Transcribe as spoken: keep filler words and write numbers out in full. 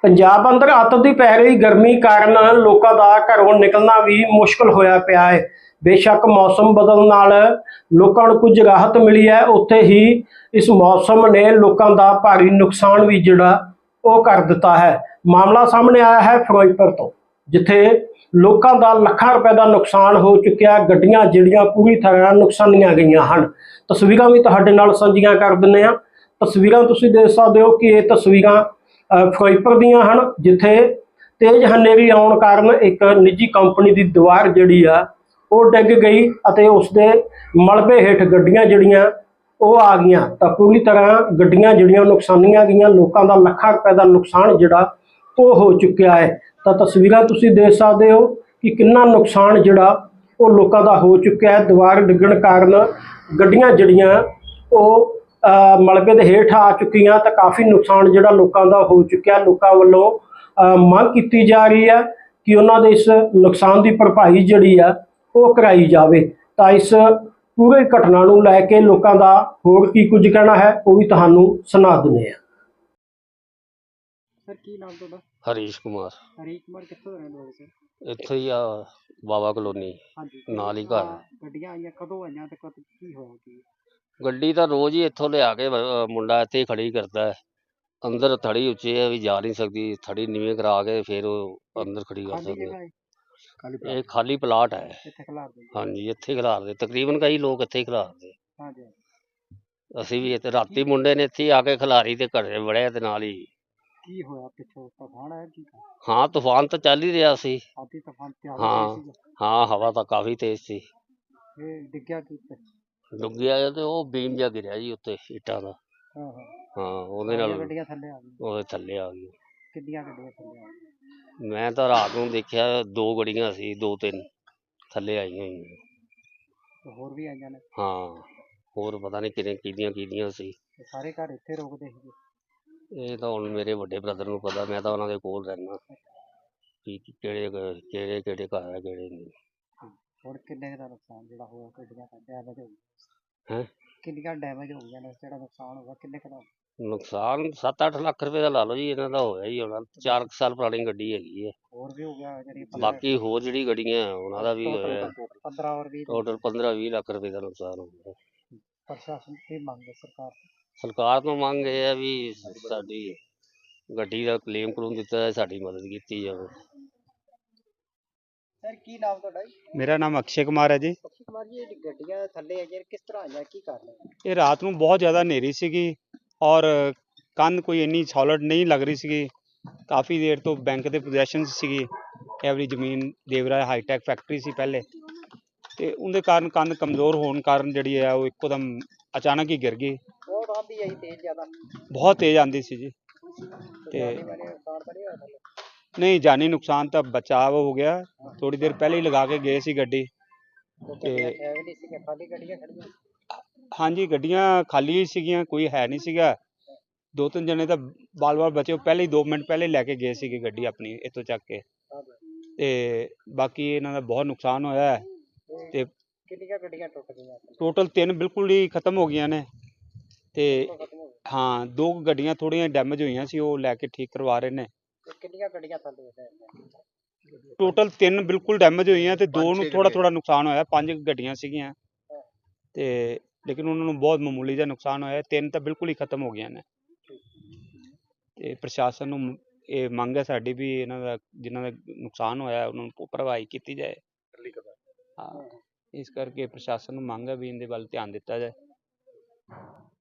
ਪੰਜਾਬ ਅੰਦਰ ਅੱਤ ਦੀ ਪੈ ਰਹੀ ਗਰਮੀ ਕਾਰਨ ਲੋਕਾਂ ਦਾ ਘਰੋਂ ਨਿਕਲਣਾ ਵੀ ਮੁਸ਼ਕਲ ਹੋਇਆ ਪਿਆ ਹੈ। बेशक मौसम बदलने नाल लोगों को कुछ राहत मिली है, उत्थे ही इस मौसम ने लोगों का भारी नुकसान भी जिहड़ा वो कर दिता है। मामला सामने आया है फिरोजपुर तो, जिथे लोगों का लाखां रुपए का नुकसान हो चुकिया। गड्डियां जिहड़ियां पूरी तरह नुकसानियां गईयां हन। तस्वीरां भी तुहाडे नाल साझीआं कर दिंदे हां। तस्वीरां तुसीं देख सकदे हो कि ये तस्वीरां फिरोजपुर दीयां हन, जिथे तेज हनेरी आउण कारण एक निजी कंपनी की दीवार जिहड़ी आ वो डिग गई और उसके मलबे हेठ गड्डियां जिहड़ियां वो आ गई। तो पूरी तरह गड्डियां जिहड़ियां नुकसानियां गईयां। लोगों का लाखां रुपए का नुकसान जिहड़ा वो हो चुकिया है। तो तस्वीरां तुसीं देख सकदे हो कि कितना नुकसान जिहड़ा वो लोगों का हो चुकिया है। दीवार डिगण कारण गड्डियां जिहड़ियां वो मलबे दे हेठ आ चुकियां। तो काफ़ी नुकसान जिहड़ा लोगों का हो चुकिया। लोगों वालों मंग की जा रही है कि उन्होंने इस नुकसान की भरपाई जिहड़ी है वो कराई जाए। तो इस पूरे घटना नूं लैके लोगों का होर की कुछ कहना है वो भी तुहानूं सुना दिंदे हां। सर की नाम तुहाडा? हरीश कुमार। हरीश कुमार कित्थों दे रहण वाले सर? इत्थों ही आ बाबा कलोनी ਹਾਂਜੀ नाल ही घर। ਗੱਡੀਆਂ ਆਈਆਂ ਕਦੋਂ ਆਈਆਂ ਤੇ ਕਦ ਕੀ ਹੋਇਆ ਕੀ? गड्डी तो रोज ही इत्थों लिया के अ, मुंडा इत्थे ही खड़ी करता है। अंदर थड़ी उच्ची है, भी जा नहीं सकती। थड़ी नीवें करा के फिर वो अंदर खड़ी कर ਖਾਲੀ सकते। ਜਗ੍ਹਾ ਹੈ ਖਾਲੀ ये खाली प्लाट है। ਇੱਥੇ ਖਿਲਾਰ ਦਿੰਦੇ? हाँ जी, इत्थे खिलार दे तकरीबन कई लोग इत्थे ही खिलार दे। ਹਾਂਜੀ ਅਸੀਂ ਵੀ ਇੱਥੇ ਰਾਤੀ ਮੁੰਡੇ ਨੇ ਇੱਥੇ ਹੀ ਆ ਕੇ ਖਿਲਾਰੀ ਤੇ ਘਰੇ ਵੜਿਆ ਤੇ ਨਾਲ ਹੀ। ਕੀ ਹੋਇਆ ਪਿੱਛੋਂ ਤੂਫਾਨ ਆਇਆ ਕੀ? ਹਾਂ ਤੂਫਾਨ ਤਾਂ ਚੱਲ ਹੀ ਰਿਹਾ ਸੀ। ਆਦੀ ਤੂਫਾਨ ਤੇ ਆ ਹਾਂ ਗਈ ਸੀ ਹਾਂ ਹਵਾ ਤਾਂ ਕਾਫੀ ਤੇਜ਼ ਸੀ। ਇਹ ਡਿੱਗਿਆ ਕੀ ਉੱਤੇ? ਡੁੱਗਿਆ ਤੇ ਉਹ ਬੀਮ ਜਿਹਾ ਗਿਰਿਆ ਜੀ ਉੱਤੇ ਇੱਟਾਂ ਦਾ। ਹਾਂ ਹਾਂ ਹਾਂ ਉਹਦੇ ਸਾਰੀਆਂ ਨਾਲ ਗੱਡੀਆਂ ਥੱਲੇ ਆ ਗਈਆਂ? ਉਹਦੇ ਥੱਲੇ ਆ ਗਈ। ਕਿੰਨੀਆਂ ਗੱਡੀਆਂ ਥੱਲੇ ਆ ਗਈਆਂ? ਮੈਂ ਤਾਂ ਰਾਤ ਨੂੰ ਦੇਖਿਆ ਦੋ ਗੱਡੀਆਂ ਸੀ, ਦੋ ਤਿੰਨ ਥੱਲੇ ਆਈਆਂ ਹੋਈਆਂ। ਤੇ ਹੋਰ ਵੀ ਆਈਆਂ ਨੇ? ਹਾਂ ਹੋਰ ਪਤਾ ਨਹੀਂ ਕਿੰਨੇ ਕਿਹਦੀਆਂ ਕਿਹਦੀਆਂ ਸੀ। ਤੇ ਸਾਰੇ ਘਰ ਇੱਥੇ ਰੁਕਦੇ ਸੀਗੇ? ਇਹ ਤਾਂ ਹੁਣ ਮੇਰੇ ਵੱਡੇ ਬ੍ਰਦਰ ਨੂੰ ਪਤਾ, ਮੈਂ ਤਾਂ ਉਹਨਾਂ ਦੇ ਕੋਲ ਰਹਿਣਾ ਕਿ ਕਿਹੜੇ ਕਿਹੜੇ ਕਿਹੜੇ ਘਰ ਆ ਕਿਹੜੇ ਨਹੀਂ। ਹੋਰ ਕਿੰਨੇ ਕੁ ਦਾ ਨੁਕਸਾਨ ਜਿਹੜਾ ਹੋਇਆ ਗੱਡੀਆਂ ਦਾ ਡੈਮੇਜ ਹੋ ਗਿਆ? ਹੈਂ ਕਿੰਨੀਆਂ ਡੈਮੇਜ ਹੋ ਗਈਆਂ ਨੇ? ਜਿਹੜਾ ਨੁਕਸਾਨ ਹੋਇਆ ਕਿੰਨੇ ਕੁ ਦਾ? ਨੁਕਸਾਨ ਸੱਤ ਅੱਠ ਲੱਖ ਰੁਪਏ ਦਾ ਲਾ ਲਓ ਜੀ, ਇਹਨਾਂ ਦਾ ਹੋਇਆ ਹੀ ਹੋਣਾ। ਚਾਰ ਕੁ ਸਾਲ ਪੁਰਾਣੀ ਗੱਡੀ ਹੈਗੀ ਹੈ। ਹੋਰ ਵੀ ਹੋ ਗਿਆ ਜਿਹੜੀ ਬਾਕੀ ਹੋਰ ਜਿਹੜੀ ਗੱਡੀਆਂ ਉਹਨਾਂ ਦਾ ਵੀ ਹੋਇਆ ਪੰਦਰਾਂ ਔਰ ਵੀਹ? ਟੋਟਲ ਪੰਦਰਾਂ ਵੀਹ ਲੱਖ ਰੁਪਏ ਦਾ ਨੁਕਸਾਨ ਹੋ ਗਿਆ। ਪ੍ਰਸ਼ਾਸਨ ਕੀ ਮੰਗ ਹੈ ਸਰਕਾਰ ਤੋਂ? ਸਰਕਾਰ ਤੋਂ ਮੰਗ ਇਹ ਹੈ ਵੀ ਸਾਡੀ ਗੱਡੀ ਦਾ ਕਲੇਮ ਕਲੂਮ ਦਿੱਤਾ ਜਾਏ, ਸਾਡੀ ਮਦਦ ਕੀਤੀ ਜਾਵੇ। ਸਰ ਕੀ ਨਾਮ ਤੁਹਾਡਾ ਜੀ? ਮੇਰਾ ਨਾਮ ਅਕਸ਼ੇ ਕੁਮਾਰ ਹੈ ਜੀ। ਅਕਸ਼ੇ ਕੁਮਾਰ ਜੀ, ਇਹ ਗੱਡੀਆਂ ਥੱਲੇ ਆਈਆਂ ਕਿਸ ਤਰ੍ਹਾਂ ਆਈਆਂ, ਕੀ ਕਾਰਨ ਹੈ? ਇਹ ਰਾਤ ਨੂੰ ਬਹੁਤ ਜ਼ਿਆਦਾ ਹਨੇਰੀ ਸੀਗੀ ਔਰ ਕੰਧ ਕੋਈ ਇੰਨੀ ਸੋਲਿਡ ਨਹੀਂ ਲੱਗ ਰਹੀ ਸੀਗੀ। ਕਾਫੀ ਦੇਰ ਤੋਂ ਬੈਂਕ ਦੇ ਪੋਜੈਸ਼ਨ ਸੀਗੀ। ਇਹ ਵਾਲੀ ਜ਼ਮੀਨ ਦੇਵਰਾ ਹਾਈਟੈਕ ਫੈਕਟਰੀ ਸੀ ਪਹਿਲੇ, ਤੇ ਉਹਦੇ ਕਾਰਨ ਕੰਧ ਕਮਜ਼ੋਰ ਹੋਣ ਕਾਰਨ ਜਿਹੜੀ ਹੈ ਉਹ ਇੱਕੋ ਦਮ ਅਚਾਨਕ ਹੀ ਗਿਰ ਗਈ। ਬਹੁਤ ਆਂਦੀ ਆਈ ਤੇਜ਼ ਜ਼ਿਆਦਾ? ਬਹੁਤ ਤੇਜ਼ ਆਂਦੀ ਸੀ ਜੀ। ਤੇ ਜਾਨੀ ਮਾਨੀ ਨੁਕਸਾਨ ਤਾਂ ਨਹੀਂ ਹੋਇਆ ਥੱਲੇ? ਨਹੀਂ, ਜਾਨੀ ਨੁਕਸਾਨ ਤਾਂ ਬਚਾਅ ਹੋ ਗਿਆ। ਥੋੜੀ ਦੇਰ ਪਹਿਲੇ ਹੀ ਲਗਾ ਕੇ ਗਏ ਸੀ ਗੱਡੀ। ਤੇ ਹੈ ਵੀ ਨਹੀਂ ਸੀ, ਖਾਲੀ ਗੱਡੀਆਂ ਖੜੀਆਂ? ਹਾਂਜੀ ਗੱਡੀਆਂ ਖਾਲੀ ਹੀ ਸੀਗੀਆਂ, ਕੋਈ ਹੈ ਨਹੀਂ ਸੀਗਾ। ਦੋ ਤਿੰਨ ਜਣੇ ਤਾਂ ਬਾਲ ਬਾਲ ਬਚੇ, ਉਹ ਪਹਿਲੇ ਹੀ ਦੋ ਮਿੰਟ ਪਹਿਲੇ ਲੈ ਕੇ ਗਏ ਸੀਗੇ ਗੱਡੀ ਆਪਣੀ ਇੱਥੋਂ ਚੱਕ ਕੇ। ਤੇ ਬਾਕੀ ਇਹਨਾਂ ਦਾ ਬਹੁਤ ਨੁਕਸਾਨ ਹੋਇਆ ਹੈ। ਤੇ ਕਿੰਨੀਆਂ ਗੱਡੀਆਂ ਟੁੱਟ ਗਈਆਂ? ਟੋਟਲ ਤਿੰਨ ਬਿਲਕੁਲ ਹੀ ਖਤਮ ਹੋ ਗਈਆਂ ਨੇ। ਤੇ ਹਾਂ ਦੋ ਗੱਡੀਆਂ ਥੋੜ੍ਹੀਆਂ ਡੈਮੇਜ ਹੋਈਆਂ ਸੀ, ਉਹ ਲੈ ਕੇ ਠੀਕ ਕਰਵਾ ਰਹੇ ਨੇ। ਕਿੰਨੀਆਂ ਗੱਡੀਆਂ ਥੱਲੇ? ਟੋਟਲ ਤਿੰਨ ਬਿਲਕੁਲ ਡੈਮੇਜ ਹੋਈਆਂ ਤੇ ਦੋ ਨੂੰ ਥੋੜਾ ਥੋੜਾ ਨੁਕਸਾਨ ਹੋਇਆ। ਪੰਜ ਗੱਡੀਆਂ ਸੀਗੀਆਂ ਤੇ ਲੇਕਿਨ ਉਹਨਾਂ ਨੂੰ ਬਹੁਤ ਮਾਮੂਲੀ ਜਿਹਾ ਨੁਕਸਾਨ ਹੋਇਆ। ਤਿੰਨ ਤਾਂ ਬਿਲਕੁਲ ਹੀ ਖਤਮ ਹੋ ਗਈਆਂ ਨੇ। ਤੇ ਪ੍ਰਸ਼ਾਸਨ ਨੂੰ ਇਹ ਮੰਗ ਹੈ ਸਾਡੀ ਵੀ ਇਹਨਾਂ ਦਾ ਜਿਨ੍ਹਾਂ ਦਾ ਨੁਕਸਾਨ ਹੋਇਆ ਉਹਨਾਂ ਨੂੰ ਭਰਵਾਈ ਕੀਤੀ ਜਾਏ। ਹਾਂ ਇਸ ਕਰਕੇ ਪ੍ਰਸ਼ਾਸਨ ਨੂੰ ਮੰਗ ਹੈ ਵੀ ਇਹਦੇ ਵੱਲ ਧਿਆਨ ਦਿੱਤਾ ਜਾਏ।